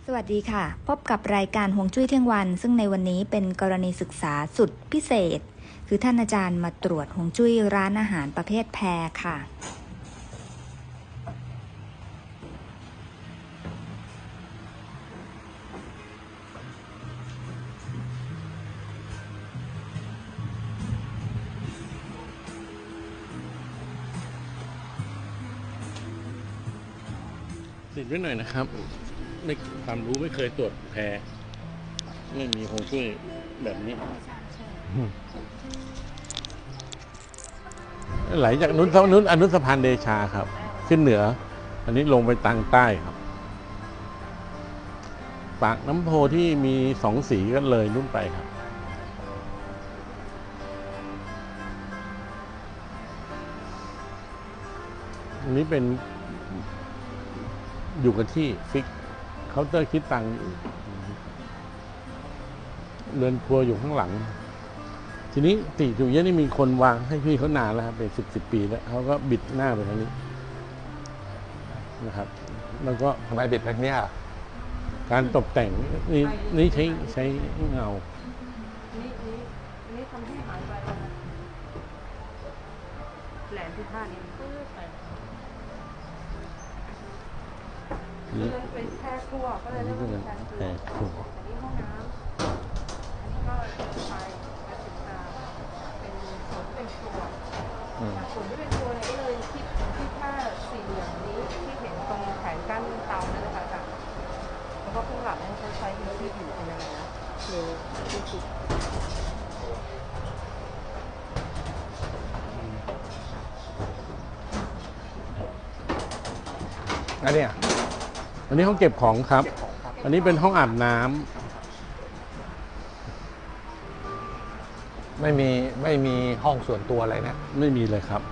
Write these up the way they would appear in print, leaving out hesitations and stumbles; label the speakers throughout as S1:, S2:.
S1: สวัสดีค่ะพบกับรายการฮวงจุ้ยเที่ยงวันซึ่งในวันนี้เป็นกรณีศึกษาสุดพิเศษคือท่านอาจารย์มาตรวจฮวงจุ้ยร้านอาหารประเภทแพรค่ะ
S2: ติดไว้หน่อยนะครับไม่ความรู้ไม่เคยตรวจแพรไม่มีฮวงจุ้ยแบบนี้ไหลจากนุ้นอนุสะพานเดชาครับ ขึ้นเหนือ อันนี้ลงไปทางใต้ครับ ปากน้ำโพที่มีสองสีก็เลยนุ่นไปครับอันนี้เป็นอยู่กับที่ฟิกเคาน์เตอร์คิดตังค์เรือนครัวอยู่ข้างหลังทีนี้ติจุเยะนี่มีคนวางให้พี่เขานานแล้วครับเป็นสิบปีแล้วเขาก็บิดหน้าไปทางนี้นะครับแล้วก็
S3: ทำไมบิดแบบนี้อ่ะ
S2: การตกแต่งนี่ใช้เงา
S4: นี่ทำให้หายไปแล้วนะแหลมที่ท่านี้ปื้ดไป
S2: นี่
S4: ก็เลยเป็นแค่ครัวก็เลยเรียกว่าเป็นการครัว
S2: แพรครัว
S4: อันนี้ห้องน้ำอันนี้ก็เป็นไฟและถึงมาเป็นส่วนที่เป็นครัวส่วนที่เป็นครัวเนี่ยก็เลยคิดผ้าสี่เหลี่ยมนี้ที่เห็นตรงแผงกั้นเตานั่นแหละค่ะอาจารย์แล้วก็ข้างหลังเขาใช้เป็นที่อยู่เป็นอะไรนะหรือที่ติด
S3: อันเนี้ย
S2: อันนี้ห้องเก็บของครับ อันนี้เป็นห้องอาบน้ำ
S3: ไม่มีห้องส่วนตัวอะไรเนี่ย
S2: ไม่มีเลยครับ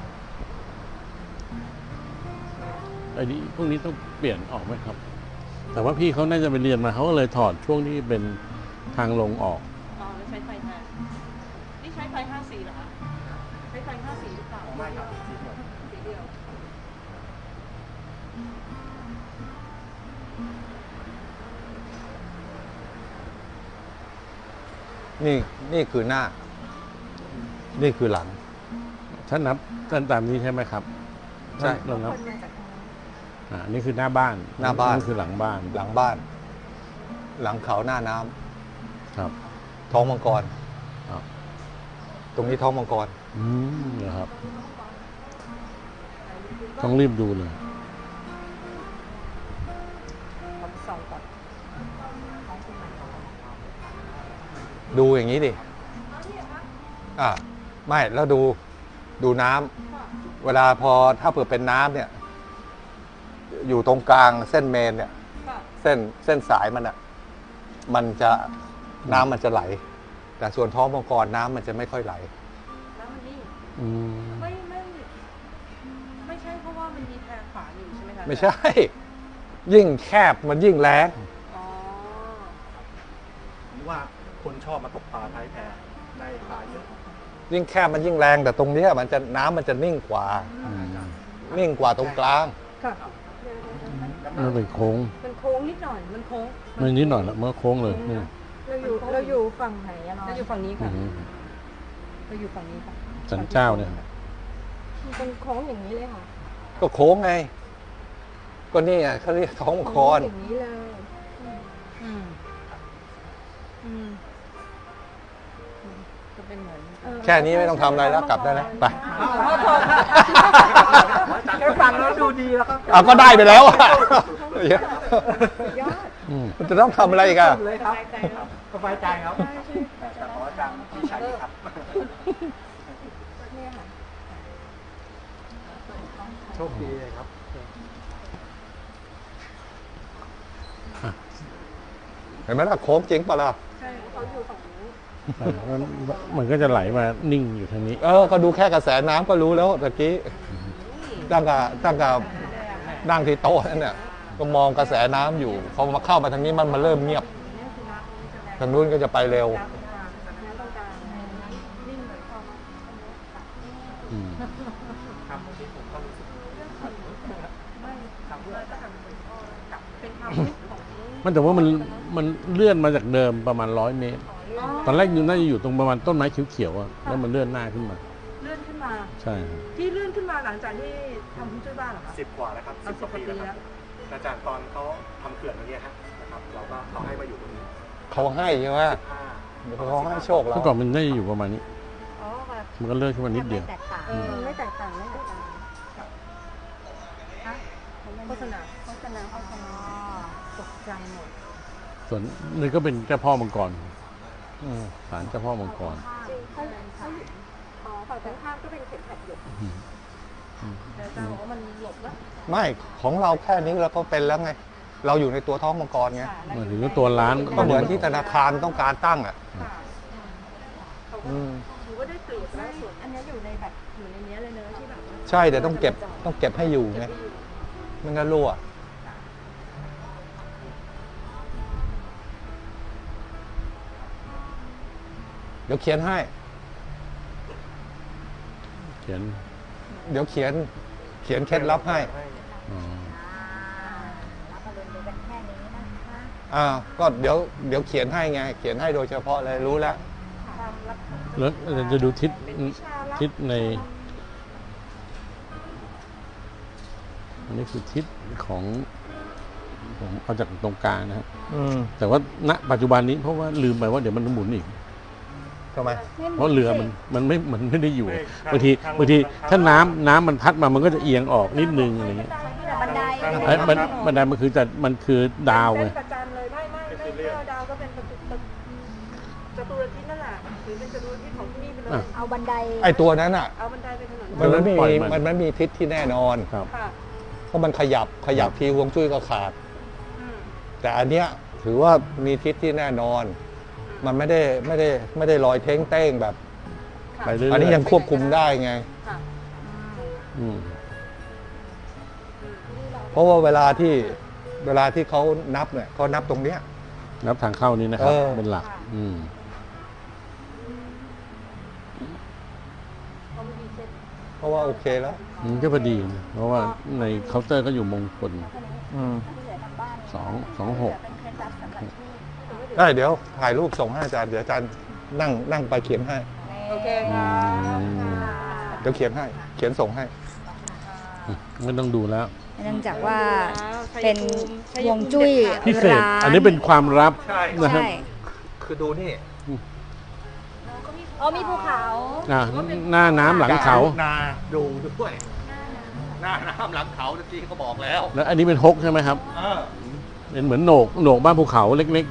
S2: ไอ้นี้พวกนี้ต้องเปลี่ยนออกไหมครับ แต่ว่าพี่เขาน่าจะไปเรียนมาเขาก็เลยถอดช่วงที่เป็นทางลงออก
S4: อ๋อแล้วใช้ไฟแทนนี่ใช้ไฟ5 สีเหรอคะใช้ไฟ5 สีหรือเปล่าไม่ครับสีเดียว
S3: นี่คือหน้า นี่คือหลัง
S2: ถ้านับตามนี้ใช่ไหมครับ
S3: ใช่
S2: เรานับนี่คือหน้าบ้าน
S3: หน้าบ้าน
S2: นี่คือหลังบ้าน
S3: หลังบ้าน หลังเขาหน้าน้ำ
S2: ครับ
S3: ท้องมังกร
S2: ครับ
S3: ตรงนี้ท้องมังกร
S2: นะครับ ต้องรีบดูเลย
S4: ผมส่องก่อน
S3: ดูอย่างนี้ดิไม่แล้วดูน้ำเวลาถ้าเผื่อเป็นน้ำเนี่ย อยู่ตรงกลางเส้นเมนเนี่ย เส้นสายมันอ่ะน้ำมันจะไหล แต่ส่วนท้องมังกรน้ำมันจะไม่ค่อยไหล
S4: แล้วมันนิ่ง
S2: อืม
S4: ไม่ใช่เพราะว่ามันมีแพรขวาอยู่ใช่ไหมคะ
S3: ไม่ใช่ ยิ่งแคบมันยิ่งแรง
S4: อ๋อ
S5: ผมว่าคนชอบมาตกปลาท้ายแพได้ปลาเยอะ
S3: ยิ่งแคบมันยิ่งแรงแต่ตรงเนี้ยน้ำมันจะนิ่งกว่า นิ่งกว่าตรงกลาง
S4: ค่ะ
S2: มันเป็นโค้ง
S4: มันโค้งนิดหน่อยมันโค้ง
S2: ไม่นิดหน่อยละเมื่อโค้งเลยนี่
S4: เราอยู่ฝั่งไหนอะเราอยู่ฝั่งนี้
S2: อื
S4: ค่ะ
S2: ม
S4: เราอยู่ฝั่งนี้ค่ะ
S2: สันเจ้าเนี่ย
S4: มันเป็นโค้งอย่างนี้เลยค่ะ
S3: ก็โค้งไง ก็นี่อ่ะเขาเรียกท้องมังกร
S4: อย่างนี้เลยอืมจะเป็นเหมือน
S3: แค่นี้ไม่ต้องทำอะไรแล้วกลับได้แล้วไป
S5: แค่ฟังแล้วดูดีแล้วก็
S3: เอาก็ได้ไปแล้วอ่ะ
S4: ยอด
S3: มันจะต้องทำอะไรอีกัน
S5: เลยครับสบายใจครับแต่ขออาจารย์พี่ชัยครับ
S4: เนี่ยค่ะ
S5: โชคดีเลยครับ
S3: เห็นไหมล่ะโค้งจริงปะล่ะ
S4: ใช่เขาอยู่ฝั่งนี้
S2: มันก็จะไหลมานิ่งอยู่ทางนี้
S3: ก็ดูแค่กระแสน้ำก็รู้แล้วตะกี้ตั้งกับนั่งที่โต๊ะนั่นเนี่ยก็มองกระแสน้ำอยู่พอมาเข้ามาทางนี้มันเริ่มเงียบ ทางนู้นก็จะไปเร็ว
S2: อืม
S5: ครับที่ผมก็รู้สึก
S4: เป็นความรู้ของ
S2: มันแต่ว่ามันเลื่อนมาจากเดิมประมาณ100 เมตร ตอนแรกอยู่น่าจะอยู่ตรงประมาณต้นไม้เขียวๆอะแล้วมันเลื่อนหน้าขึ้นมา
S4: เลื่อนขึ้นมา
S2: ใช่ครับ
S4: ที่เลื่อนขึ้นมาหลังจากที่ทำฮวงจุ้ยบ้านเหรอคะ
S5: 10 กว่าแล้วครับ
S4: เอา
S5: 10 กว่าปี
S4: 10
S5: แล้วครับอาจารย์ตอนเขาทำเขื่อนตรงนี้ฮะนะครับเราให้มาอยู่ตรงนี้
S3: เขาให้ใช่ไหม
S5: 15
S3: เขาให้โชคเรา
S2: เมื่อก่อนมันน่าจะอยู่ประมาณนี้
S1: อ๋อแบบ
S2: มันก็เลื่อนขึ้นมานิดเดียว
S1: แตกต่าง
S4: ไม่แตกต่างไม่แตกต่างโฆษณา
S1: โฆษณา
S4: ตกใจหมด
S2: ส่วนนี่ก็เป็นเจ้าพ่อมังกร
S3: อืม
S2: ศาลเจ้าพ่อมังกร
S4: ฝั่งตรงข้ามก็เป็นเข็มขัดหยก
S2: อืม
S4: แต่อาจารย์บอกว่ามันหลบแล้ว
S3: ไม่ของเราแค่นี้เราก็เป็นแล้วไง เราอยู่ในตัวท้องมังกรไง
S2: หมายถึงว่าตัวร้าน
S3: ก็เหมือนที่ธนาคารต้องการตั้งอ่ะ
S4: ค่ะเขาก็ถือว่าได้เปรียบแล้วส่วนอันนี้อยู่ในแบบอยู่ในนี้เลยเนอะที่แบบว่า
S3: ใช่แต่ต้องเก็บให้อยู่ไงไม่งั้นรั่วเดี๋ยวเขียนให้
S2: เขียน
S3: เดี๋ยวเขียนเคล็ดลับให้
S2: อ๋อ
S1: รับอรุณดูกันแค่นี้นะคะ
S3: ก็เดี๋ยวเขียนให้ไง เขียนให้โดยเฉพาะเลยรู้แล้ว
S4: ความลับ
S2: แล้วเราจะดูทิศในอันนี้คือทิศของผมเอาจากตรงกลางนะครับ แต่ว่าณปัจจุบันนี้เพราะว่าลืมไปว่าเดี๋ยวมันหมุนอีก
S3: ทำไม
S2: เพราะเรือมันไม่ได้อยู่บางทีถ้าน้ำมันพัดมามันก็จะเอียงออกนิดนึงอะไรเงี้ย
S1: บันได
S2: ไอ้บันไดมันคือดาวไง
S4: ประจันเลยไม่ดาวก็เป็นจตุรทิศนั่นแหละหรือเป็นจตุรทิศของที่นี่ไปเลย
S1: เอาบันได
S3: ไอตัวนั้นอ่ะ
S4: เอาบันไดไปถนน
S3: มันไม่มีทิศที่แน่นอน
S2: ครับ
S4: ค่ะ
S3: เพราะมันขยับทีฮวงจุ้ยก็ขาด
S4: อืม
S3: แต่อันเนี้ยถือว่ามีทิศที่แน่นอน มันไม่ได้ลอยเท้งเต้งแบบ
S2: ไปเรื่อยๆ
S3: อันนี้ยังควบคุมได้ไง
S4: ค่ะ
S2: อืม
S3: เพราะว่าเวลาที่เขานับเนี่ยเขานับตรงเนี้ย
S2: นับทางเข้านี้นะครับ
S3: เออ
S2: เป็นหลัก อืม
S3: เพราะว่าโอเคแล้ว
S2: มันก็พอดีนะเพราะว่าในเคาน์เตอร์ก็อยู่มงคล226
S3: ได้เดี๋ยวถ่ายรูปส่งให้อาจารย์เดี๋ยวอาจารย์นั่งไปเขียนให้
S4: โอเคค่ะ
S3: เดี๋ยวเขียนส่งให้
S2: ไม่ต้องดูแล้ว
S1: เนื่องจากว่าเป็นฮวงจุ้ย
S2: พิเศษ
S1: ร้าน
S2: อันนี้เป็นความลับ
S3: ใช่
S2: นะครับ
S1: ใช่
S3: คือดูนี่
S1: อ๋อมีภูเขา
S2: หน้าน้ำหลังเขา
S3: นาดูด้วยหน้าน้ำหลังเขาเมื่อกี้เขาบอกแล้ว
S2: แล้วอันนี้เป็นฮกใช่ไหมครับ เป็นเหมือนโหนกบ้านภูเขาเล็ก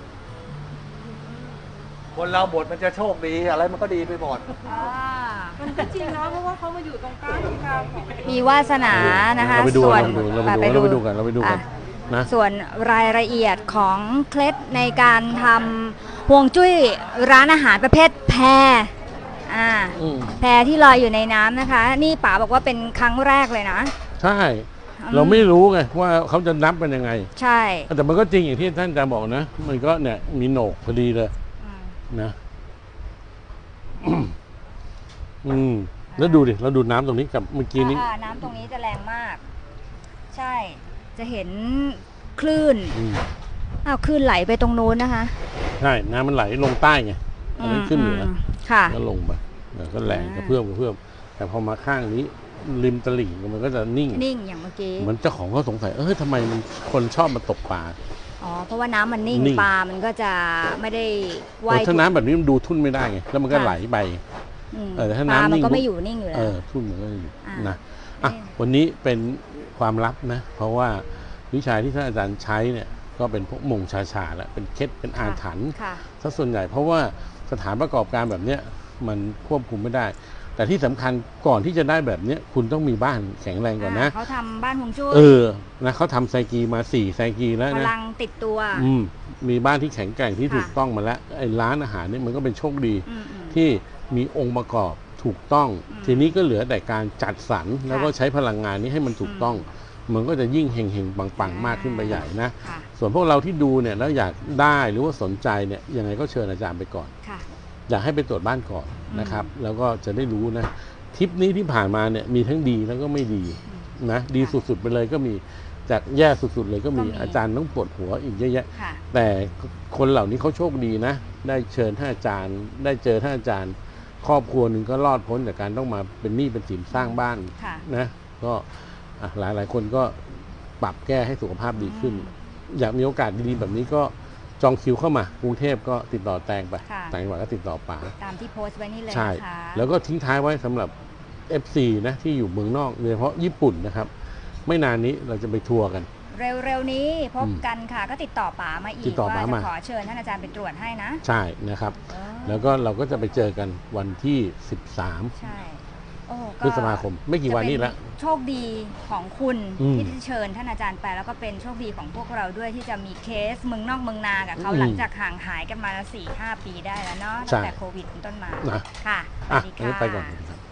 S3: คนเราบทมันจะโชคดีอะไรมันก็ดีไปหมด
S4: มันก็จริงนะเพราะว่าเขามาอยู่ตรงกลางที่กลาง
S1: มีวาสนา
S2: ๆ
S1: นะคะ
S2: เราไปดู
S1: ส่วน
S2: เราไปดูกันนะ
S1: ส่วนรายละเอียดของเคล็ดในการทำฮวงจุ้ยร้านอาหารประเภทแพแพที่ลอยอยู่ในน้ำนะคะ นี่ป๋าบอกว่าเป็นครั้งแรกเลยนะ
S2: ใช่ เราไม่รู้ไงว่าเขาจะนับเป็นยังไง
S1: ใช่
S2: แต่มันก็จริงอย่างที่ท่านอาจารย์บอกนะ มันก็เนี่ยมีโหนกพอดีเลยนะ แล้วดูดิ เราดูน้ำตรงนี้กับเมื่อกี้นี้
S1: น้ำตรงนี้จะแรงมาก ใช่ จะเห็นคลื่น คลื่นไหลไปตรงนู้นนะคะ
S2: ใช่ น้ำมันไหลลงใต้ไงอันนั้นขึ้นเหนือ
S1: ค่ะ
S2: ก็ลงไปก็แรงกระเพื่อมแต่พอมาข้างนี้ ริมตลิ่งมันก็จะนิ่ง
S1: นิ่งอย่างเมื่อกี้
S2: เหมือนเจ้าของเขาสงสัยทำไมมันคนชอบมาตกปลา
S1: อ๋อ เพราะว่าน้ำมันนิ่ง
S2: นิ่ง
S1: ปลามันก็จะไม่ได้ว่าย
S2: ถ้าน้ำแบบนี้มันดูทุ่นไม่ได้ไง แล้วมันก็ไหลไป แต่ถ้า
S1: ปลา
S2: น้ำ
S1: มัน
S2: นิ่ง
S1: ก็ไม่อยู่นิ่งอยู่แล้ว
S2: ทุ่นมันก็อยู่
S1: อ่าน
S2: นะวันนี้เป็นความลับนะ เพราะว่าวิชาที่ท่านอาจารย์ใช้เนี่ยก็เป็นพวกมงชาแล้วเป็นเคล็ดเป็นอาถรรพ์
S1: ค่ะ
S2: ซะส่วนใหญ่เพราะว่าสถานประกอบการแบบเนี้ยมันควบคุมไม่ได้ แต่ที่สำคัญก่อนที่จะได้แบบเนี้ยคุณต้องมีบ้านแข็งแรงก่อนนะ
S1: เขาทำบ้านฮวงจุ้ย
S2: นะเขาทำไซกีมา4ไซกีแล้ว
S1: พ
S2: นะ
S1: ลังติดตัว
S2: มีบ้านที่แข็งแกร่งที่
S1: ค่ะ
S2: ถูกต้องมาแล้วไอ้ร้านอาหารนี่มันก็เป็นโชคดี
S1: อืม
S2: ที่มีองค์ประกอบถูกต้อง ทีนี้ก็เหลือแต่การจัดสรรแล้วก็ใช้พลังงานนี้ให้มันถูกต้อง มันก็จะยิ่งเฮงๆปังๆมากขึ้นไปใหญ่นะ
S1: ค่ะ
S2: ส่วนพวกเราที่ดูเนี่ยแล้วอยากได้หรือว่าสนใจเนี่ยยังไงก็เชิญอาจารย์ไปก่อน
S1: ค่ะ
S2: อยากให้ไปตรวจบ้านก่อนนะครับ แล้วก็จะได้รู้นะทริปนี้ที่ผ่านมาเนี่ยมีทั้งดีแล้วก็ไม่ดีนะดีสุดๆไปเลยก็มีจากแย่สุดๆเลยก็มี
S1: ก็มี
S2: อาจารย์ต้องปวดหัวอีกเยอะแยะ
S1: ค่ะ
S2: แต่คนเหล่านี้เขาโชคดีนะ ได้เชิญท่านอาจารย์ ได้เจอท่านอาจารย์ ครอบครัวหนึ่งก็รอดพ้นจากการต้องมาเป็นหนี้เป็นสินสร้างบ้าน
S1: ค่ะ
S2: นะก็หลายคนก็ปรับแก้ให้สุขภาพดีขึ้น อยากมีโอกาสดีๆแบบนี้ก็จองคิวเข้ามากรุงเทพก็ติดต่อแตงไป
S1: ค่ะ
S2: ต่างจังหวัดก็ติดต่อป๋า
S1: ตามที่โพสต์ไว้นี่เลย
S2: ใช่
S1: นะคะ
S2: แล้วก็ทิ้งท้ายไว้สำหรับ FC นะที่อยู่เมืองนอกโดยเฉพาะญี่ปุ่นนะครับ ไม่นานนี้เราจะไปทัวร์กัน
S1: เร็วๆนี้พบกันค่ะ ก็ติดต่อป๋ามาอี
S2: ติ
S1: ก
S2: ดต่อ
S1: ว่า
S2: ป๋า
S1: จะ
S2: มา
S1: ขอเชิญท่านอาจารย์ไปตรวจให้นะ
S2: ใช่นะครับ แล้วก็เราก็จะไปเจอกันวันที่ 13
S1: ใช่โอ้
S2: พฤษภาคมไม่กี่วันนี้ละ
S1: จะเป็นโชคดีของคุณ
S2: อืม
S1: ที่ได้เชิญท่านอาจารย์ไป แล้วก็เป็นโชคดีของพวกเราด้วยที่จะมีเคสเมืองนอกเมืองนากับเขา
S2: อืม
S1: หลังจากห่างหายกันมา 4-5 ปีได้แล้วเนาะ
S2: ใช่
S1: ตั้งแต่โควิดเป็นต้นมา
S2: นะ
S1: ค่ะส
S2: อ่ะ
S1: วัสดี
S2: งั้น
S1: ค่ะ
S2: ไปก่อน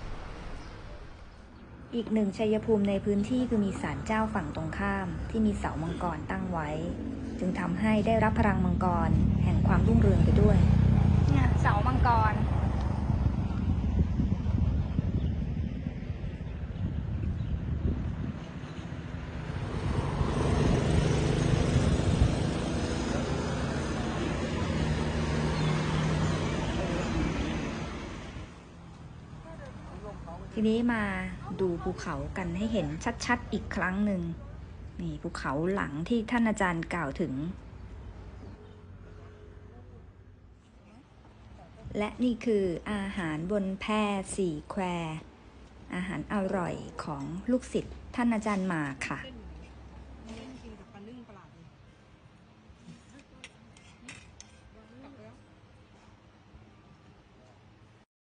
S6: อีกหนึ่งชัยภูมิในพื้นที่คือมีศาลเจ้าฝั่งตรงข้ามที่มีเสามังกรตั้งไว้ จึงทำให้ได้รับพลังมังกรแห่งความรุ่งเรืองไปด้วย
S1: เนี่ยเสามังกร
S6: ทีนี้มาดูภูเขากันให้เห็นชัดๆอีกครั้งหนึ่งนี่ภูเขาหลังที่ท่านอาจารย์กล่าวถึง และนี่คืออาหารบนแพ4 แควอาหารอร่อยของลูกศิษย์ท่านอาจารย์หมากค่ะ